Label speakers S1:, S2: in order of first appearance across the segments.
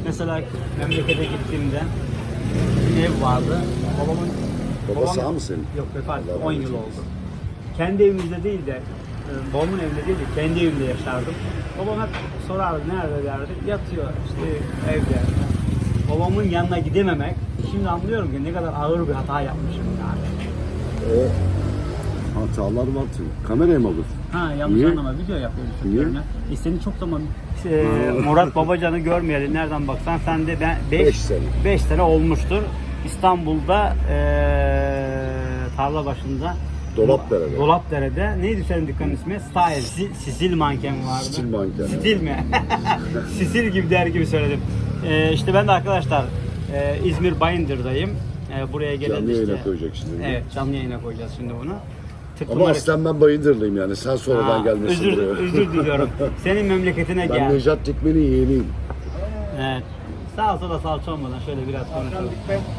S1: Mesela memlekete gittiğimde bir ev vardı.
S2: Baba sağ mı senin?
S1: Yok, vefat etti.
S2: Allah
S1: 10
S2: rahmet
S1: yıl oldu.
S2: eylesin.
S1: Kendi evimizde değil de babamın evinde değil de kendi evimde yaşardım. Babam hep sorardı nerede derdi. Yatıyor işte evde. Babamın yanına gidememek. Şimdi anlıyorum ki ne kadar ağır bir hata yapmışım yani.
S2: O hatalar var tabii. Kameraya mı alır?
S1: Ha, yanlış
S2: Niye?
S1: anlama, video yapıyorum.
S2: Niye?
S1: Seni çok zaman Murat Babacan'ı görmeyeli nereden baksan sen de ben
S2: 5 sene.
S1: 5 sene olmuştur. İstanbul'da tarla başında
S2: Dolapdere'de.
S1: Dolapdere'de neydi senin dükkanın ismi? Style, Sisil manken vardı.
S2: Stil manken.
S1: Stil mi? Sisil gibi der gibi söyledim. İşte ben de arkadaşlar İzmir Bayındır'dayım. Buraya gelen
S2: Canlı
S1: işte.
S2: yayına koyacak şimdi.
S1: Evet, canlı yayına koyacağız şimdi bunu.
S2: Ama aslen ben Bayındırlıyım yani. Sen sonradan gelmesin buraya.
S1: Özür diliyorum. Senin memleketine
S2: Ben
S1: gel.
S2: Nejat Dikmen'in yeğeniyim.
S1: Evet. Sağ sola salça olmadan şöyle biraz konuşalım.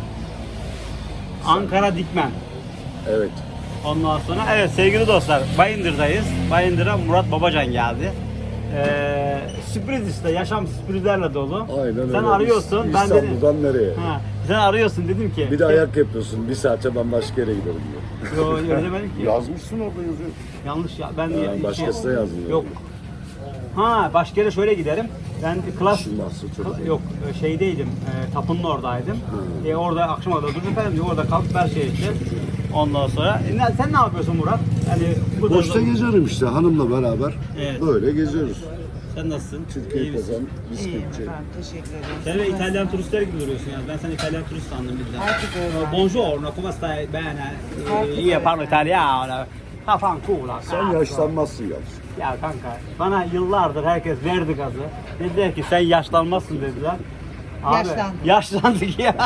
S1: Ankara Dikmen.
S2: Evet.
S1: Ondan sonra evet sevgili dostlar Bayındır'dayız. Bayındır'a Murat Babacan geldi. Sürpriz işte, yaşam sürprizlerle dolu.
S2: Aynen öyle.
S1: Sen arıyorsun, ben dedim.
S2: İstanbul'dan nereye?
S1: Ha, sen arıyorsun dedim ki.
S2: Bir de ayak yapıyorsun. Bir saate ben başka yere giderim diye.
S1: Yo, öyle demedim ki.
S2: Yazmışsın orada yazıyor.
S1: Yanlış ya. Ben
S2: Başkası da yazmıyor.
S1: Yok. Ha, başka yere şöyle giderim. Ben klas
S2: İşin varsa çok iyi.
S1: yok şeydeydim. Tapunun oradaydım. Orada akşama kadar durdum efendim diyor. Orada kalıp her şey için. Ondan sonra sen ne yapıyorsun Murat? Hani burada
S2: Boşta geziyorum işte hanımla beraber.
S1: Evet.
S2: Böyle geziyoruz.
S1: Sen nasılsın?
S2: Türkiye
S1: İyi misin?
S2: kazan,
S3: İyiyim
S2: bisküvitçi.
S3: efendim, teşekkür ederim.
S1: Sen de İtalyan turistler gibi duruyorsun yani. Ben seni İtalyan turist sandım birden.
S3: Herkes öyle.
S1: Buongiorno, come stai? Bene. Io parlo italiano. Fanculo.
S2: Sen yaşlanmazsın yalnız.
S1: Ya kanka, bana yıllardır herkes verdi gazı. Dediler ki sen yaşlanmazsın dediler.
S3: Yaşlandım.
S1: Yaşlandık ya.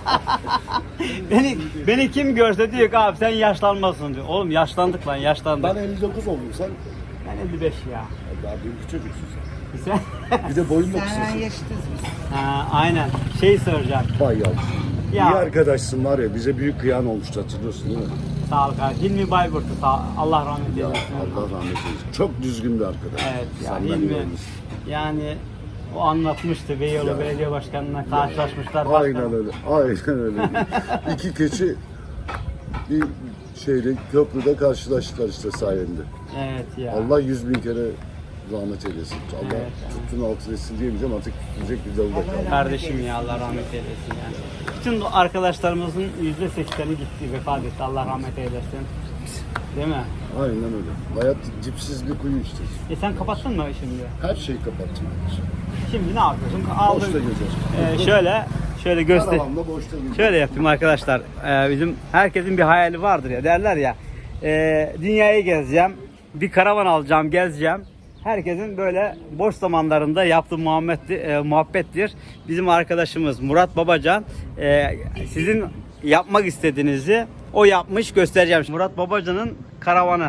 S1: beni kim görse diyor ki abi sen yaşlanmazsın diyor. Oğlum yaşlandık lan, yaşlandık.
S2: Ben 59 oldum sen.
S1: Ben 55 ya.
S2: Daha büyük çocuksun sen.
S1: Sen?
S2: Bir de boyun da
S3: Senden
S2: kısasın.
S3: yaşıtız biz.
S1: Ha, aynen. Şey soracağım.
S2: Vay yavrum.
S1: Ya.
S2: İyi arkadaşsın var ya, bize büyük kıyan olmuştu hatırlıyorsun değil mi?
S1: Sağ ol kardeşim. Hilmi Bayburt'u Allah rahmet
S2: Ya
S1: eylesin.
S2: Allah rahmet eylesin. Çok düzgün bir arkadaş.
S1: Evet ya
S2: Senden
S1: Hilmi.
S2: iyi olmuş.
S1: Yani o anlatmıştı. Beyoğlu
S2: Ya.
S1: Belediye Başkanı'na karşılaşmışlar.
S2: Aynen öyle. Aynen öyle. İki keçi bir şeyde köprüde karşılaştılar işte sayende.
S1: Evet ya.
S2: Allah 100.000 kere rahmet eylesin. Allah
S1: Evet.
S2: tuttuğunu altın etsin diyemeyeceğim, artık tutacak bir dalı da kaldı.
S1: Kardeşim ya, Allah rahmet eylesin yani. Bütün arkadaşlarımızın %80'i gitti, vefat etti. Allah rahmet eylesin. Değil mi?
S2: Aynen öyle. Hayat dipsiz bir kuyu işte.
S1: Sen kapattın mı şimdi?
S2: Her şeyi kapattım.
S1: Şimdi ne yapıyorsun?
S2: Boşta gezer.
S1: Şöyle göster.
S2: Karavanla boşta gezer.
S1: Şöyle yapayım arkadaşlar. Bizim herkesin bir hayali vardır ya, derler ya. Dünyayı gezeceğim, bir karavan alacağım, gezeceğim. Herkesin böyle boş zamanlarında yaptığı muhabbettir. Bizim arkadaşımız Murat Babacan sizin yapmak istediğinizi o yapmış, göstereceğim. Murat Babacan'ın karavanı.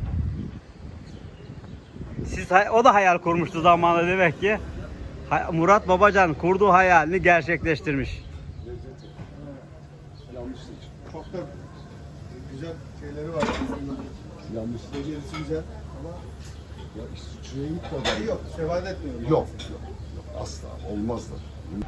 S1: O da hayal kurmuştu zamanında demek ki. Murat Babacan kurduğu hayalini gerçekleştirmiş.
S2: Yanlışlık. Çok da güzel şeyleri var. Yanlışlık gerisi güzel ama ya işte şuraya gitmeden. Yok, sebat etmiyorum. Yok. Asla. Olmaz da.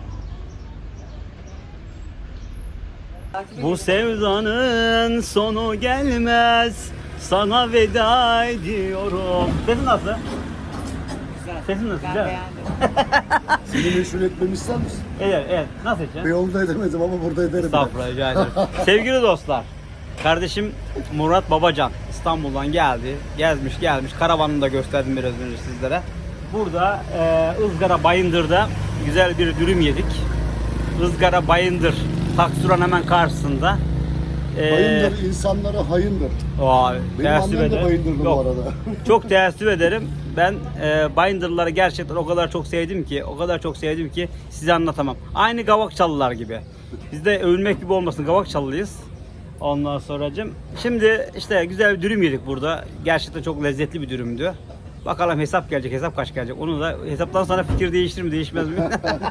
S1: Bu sevdanın sonu gelmez, sana veda ediyorum. Sesin nasıl?
S3: Güzel.
S1: Sesin nasıl?
S3: Ben
S1: Güzel.
S3: beğendim.
S2: Seni meşhur etmemi ister misin?
S1: Evet, evet. Nasıl edeceksin?
S2: Beyoğlu'nda edemedim ama burada ederim.
S1: Estağfurullah, rica ederim. Sevgili dostlar, kardeşim Murat Babacan İstanbul'dan geldi, gelmiş. Karavanını da gösterdim biraz önce sizlere. Burada Izgara Bayındır'da güzel bir dürüm yedik. Izgara Bayındır, Taksuran hemen karşısında.
S2: Bayındır insanlara hayındır. Benim
S1: Teessüf
S2: annem de
S1: ederim.
S2: Bayındırlı bu
S1: Yok,
S2: arada.
S1: çok teessüf ederim. Ben Bayındırlıları gerçekten o kadar çok sevdim ki size anlatamam. Aynı Gavakçalılar gibi. Biz de övünmek gibi olmasın, Gavakçalılıyız. Ondan sonracığım. Şimdi işte güzel bir dürüm yedik burada. Gerçekten çok lezzetli bir dürümdü. Bakalım hesap gelecek, hesap kaç gelecek. Onu da hesaptan sonra fikir değiştirir mi, değişmez mi?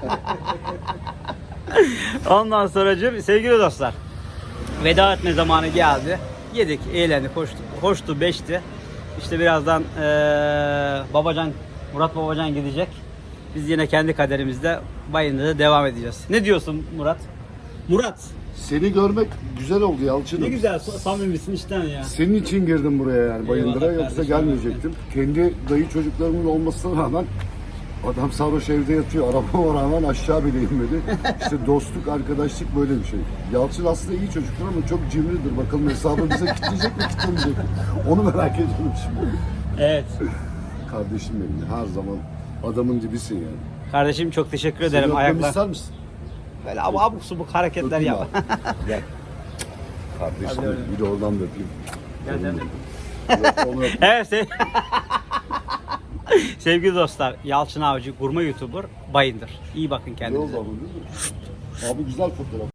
S1: Ondan sonracığım sevgili dostlar, veda etme zamanı geldi. Yedik, eğlendik, hoştu, beşti. İşte birazdan Murat Babacan gidecek. Biz yine kendi kaderimizde Bayındır'da devam edeceğiz. Ne diyorsun Murat? Murat.
S2: Seni görmek güzel oldu Yalçın'ım.
S1: Ne güzel samimisin içten ya.
S2: Senin için girdim buraya yani Bayındır'a,
S1: Eyvallah
S2: yoksa
S1: kardeşim,
S2: gelmeyecektim. Kendi dayı çocuklarımın olmasına rağmen adam sarhoş evde yatıyor. Arabama rağmen aşağı bile inmedi. İşte dostluk, arkadaşlık böyle bir şey. Yalçın aslında iyi çocuktur ama çok cimridir. Bakalım hesabı bize kitleyecek mi kitlemeyecek mi? Onu merak ediyorum şimdi.
S1: Evet.
S2: Kardeşim benim ya, her zaman adamın dibisin yani.
S1: Kardeşim çok teşekkür
S2: Seni
S1: ederim.
S2: öpmemi
S1: Ayaklar.
S2: ister misin?
S1: Böyle abuk subuk hareketler
S2: Öpeyim
S1: yap.
S2: abi. Gel. Kardeşim
S1: Hadi
S2: benim,
S1: öyle.
S2: bir de oradan da öpeyim.
S1: Gel, gel,
S2: Onu öpeyim.
S1: Evet sevgili dostlar, Yalçın Avcı gurme YouTuber Bayındır. İyi bakın
S2: Ne
S1: kendinize.
S2: oldu ama değil mi? Abi güzel fotoğraf.